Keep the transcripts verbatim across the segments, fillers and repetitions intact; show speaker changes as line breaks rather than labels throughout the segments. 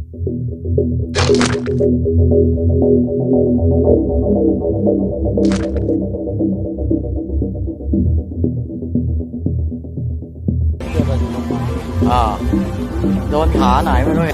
อ่าโดนขาไหนไม่รู้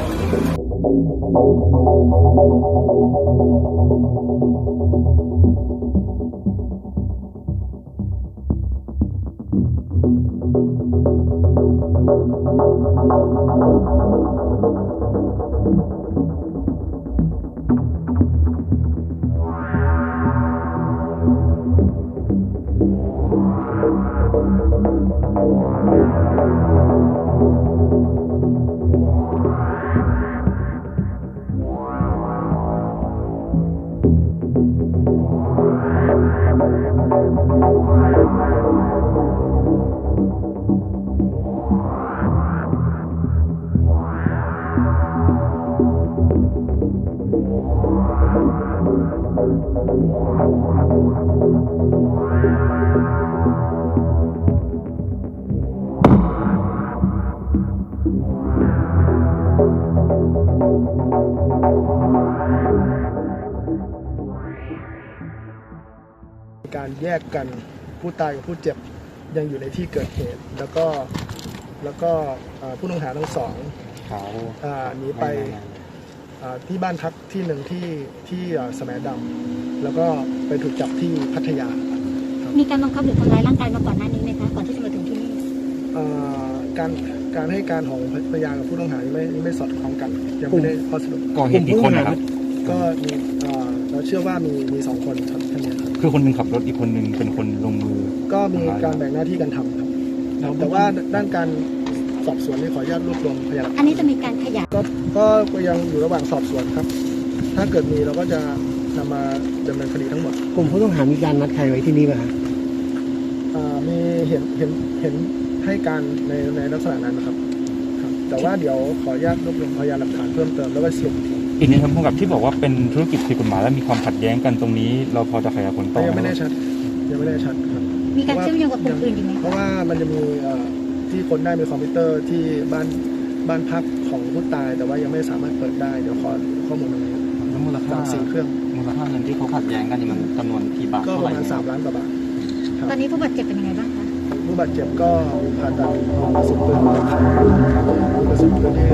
การแยกกันผู้ตายกับผู้เจ็บยังอยู่ในที่เกิดเหตุแล้วก็แล้วก็ผู้ต้องหาทั้งสองหนีไปที่บ้านพักที่หนึ่งที่ที่แสมดำแล้วก็ไปถูกจับที่พัทยา
มีการบังคับหรือทำร้ายร่างกายมาก่อนหน้านี้ไหมคะก่อนที่จะมาถึงที่นี่
การการให้การของพยานกับผู้ต้องหาไม่ไม่สอดคล้องกันยังไม่ได้ข้อสรุป
ก่อเหตุกี่คนนะครับ
ก็มีเราเชื่อว่ามีมีสองคนครับท่านนี้ครับ
คือคนหนึ่งขับรถอีกคนหนึ่งเป็นคนลงมือ
ก็มีการแบ่งหน้าที่กันทำครับแต่ว่าด้านการสอบสวนนี่ขออนุญาตรวบรวมพยาน
อันนี้จะมีการขยาย
ก็ก็ยังอยู่ระหว่างสอบสวนครับถ้าเกิดมีเราก็จะนำมาดำเนินคดีทั้งหมด
กลุ่มผู้ต้องหามีการนัดใครไว้ที่นี่ไหมครับ
มีเห็นเห็นเห็นให้การในในลักษณะนั้นนะครับแต่ว่าเดี๋ยวขออนุญาตรวบรวมพยานหลักฐานเพิ่มเติมแล้วก็สรุป
อีกนิดครับผู้กำกับที่บอกว่าเป็นธุรกิจผิดกฎหมายและมีความขัดแย้งกันตรงนี้เราพอจะขยายผลต่อ
ยังไม่แน่ชัดยังไม่แน่ชัดครับ
มีการเชื่อมโยงกับคนอื่นอยู่ไหม
เพราะว่ามันจะมีที่คนได้มีคอมพิวเตอร์ที่บ้านบ้านพักของผู้ตายแต่ว่ายังไม่สามารถเปิดได้เดี๋ยวขอข้อมูลตรงนี้
แล้วมูลค่า
สี่เครื่อง
มูลค่าเงินที่เขาขัดแย้งกันนี่มันจำนวนกี่บาท
ก็ประมาณสามล้านกว่าบาท
ตอนนี้ผู้บาดเจ็บเป็นยังไงบ้างคะ
ผู้บาดเจ็บก็ผ่าตัดกระสุนปืนมีกระสุนปืนที่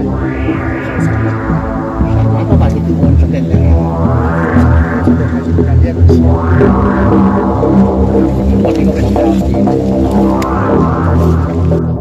แล้วก็บาดเจ็บทุกคนสำเร็จแล้ว
สำเร็จในการแยกชิ้น
หมดที่ก็เป็น